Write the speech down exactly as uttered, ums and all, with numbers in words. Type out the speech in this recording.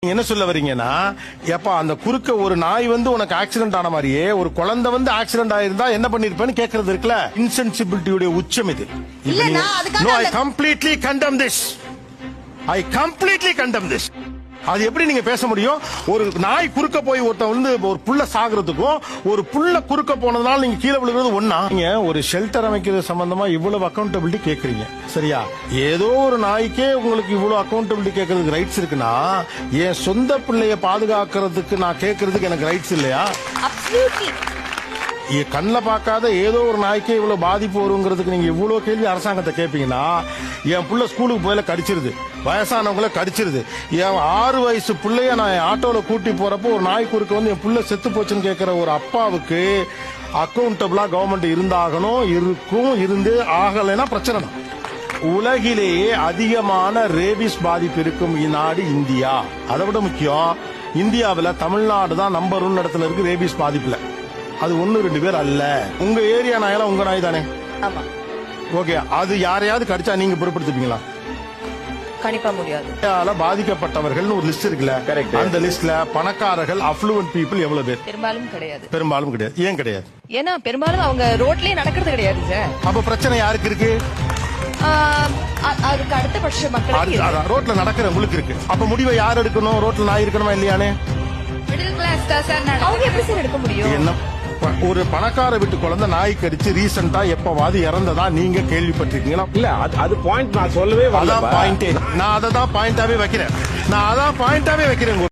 என்ன சொல்ல வரீங்கன்னா, எப்ப அந்த குறுக்க ஒரு நாய் வந்து உனக்கு ஆக்சிடென்ட் ஆன மாதிரியே ஒரு குழந்தை வந்து ஆக்சிடென்ட் ஆயிருந்தா என்ன பண்ணிருப்பேன்னு கேக்குறது இருக்குல்ல, இன்சென்சிபிலிட்டியுடைய உச்சம் இது. இல்ல, நான் அதுக்காக No, I அந்த- completely condemn this. I completely condemn this. அது எப்படி நீங்க பேச முடியும்? ஒரு நாய் குறுக்க போய் ஒருத்த வந்து ஒரு புள்ள சாகுறதுக்கும் ஒரு புள்ள குறுக்க போனதுனால நீங்க கீழே விழுகிறது ஒண்ணா? நீங்க ஒரு ஷெல்டர் அமைக்கிறது சம்பந்தமா இவ்வளவு அக்கௌண்டபிலிட்டி கேக்குறீங்க, சரியா? ஏதோ ஒரு நாய்க்கே உங்களுக்கு இவ்வளவு அக்கௌண்டபிலிட்டி கேட்கறதுக்கு ரைட்ஸ் இருக்குன்னா, என் சொந்த பிள்ளைய பாதுகாக்கிறதுக்கு நான் கேட்கறதுக்கு எனக்கு ரைட்ஸ் இல்லையா? Absolutely. கண்ணில் பார்க்காத ஏதோ ஒரு நாய்க்கே இவ்வளவு பாதிப்பு வருங்கிறதுக்கு நீங்க இவ்வளவு கேள்வி அரசாங்கத்தை கேட்பீங்கன்னா, என் புள்ள ஸ்கூலுக்கு போயில கடிச்சிருது, வயசானவங்கள கடிச்சிருது, என் ஆறு வயசு பிள்ளைய நான் ஆட்டோல கூட்டி போறப்போ ஒரு நாய் குறுக்க வந்து என் புள்ள செத்து போச்சுன்னு கேட்கிற ஒரு அப்பாவுக்கு அக்கௌண்டபிளா கவர்மெண்ட் இருந்தாகணும், இருக்கும், இருந்து ஆகலைன்னா பிரச்சனை தான். உலகிலேயே அதிகமான ரேபிஸ் பாதிப்பு இருக்கும் நாடு இந்தியா. அதை விட முக்கியம், இந்தியாவில் தமிழ்நாடு தான் நம்பர் ஒன் இடத்துல இருக்கு ரேபிஸ் பாதிப்புல. அது ஒன்னு ரெண்டு பேர் அல்ல. உங்க ஏரியா நாயெல்லாம் உங்க நாய் தானே? ஆமா. ஓகே, அது யாரையாவது கடிச்சா நீங்க பொறுப்படுத்திப்பீங்களா? கண்டிப்பா முடியாது. பாதிக்கப்பட்டவர்கள் ஒரு லிஸ்ட் இருக்குல்ல, அந்த லிஸ்ட்ல பணக்காரர்கள் அஃப்ளூவன்ட் பீப்புள் எவ்வளவு பேர்? பெரும்பாலும் கிடையாது. பெரும்பாலும் கிடையாது. ஏன் கிடையாது? ஏன்னா பெரும்பாலும் அவங்க ரோட்லயே நடக்கிறது கிடையாது சார். அப்ப பிரச்சனை யாருக்கு இருக்கு? ஆஹ் அ- அதுக்கு அடுத்த பட்ச மக்களுக்கு இருக்கு. ரோட்ல நடக்கிறவங்களுக்கு இருக்கு. அப்ப முடிவை யார் எடுக்கணும்? ரோட்ல நாய் இருக்கணுமா இல்லையானே? மிடில் கிளாஸ் தான் சார். அவங்க எப்படி சார் எடுக்க முடியும்? என்ன, ஒரு பணக்கார வீட்டு குழந்தை நாய் கடிச்சு ரீசெண்டா எப்பவாது இறந்ததா நீங்க கேள்விப்பட்டிருக்கீங்களா? இல்ல அது அது பாயிண்ட் நான் சொல்லவே வரல. அதான் பாயிண்டே. நான் அதை தான் பாயிண்டாவே வைக்கிறேன். நான் அதான் பாயிண்டாவே வைக்கிறேன்.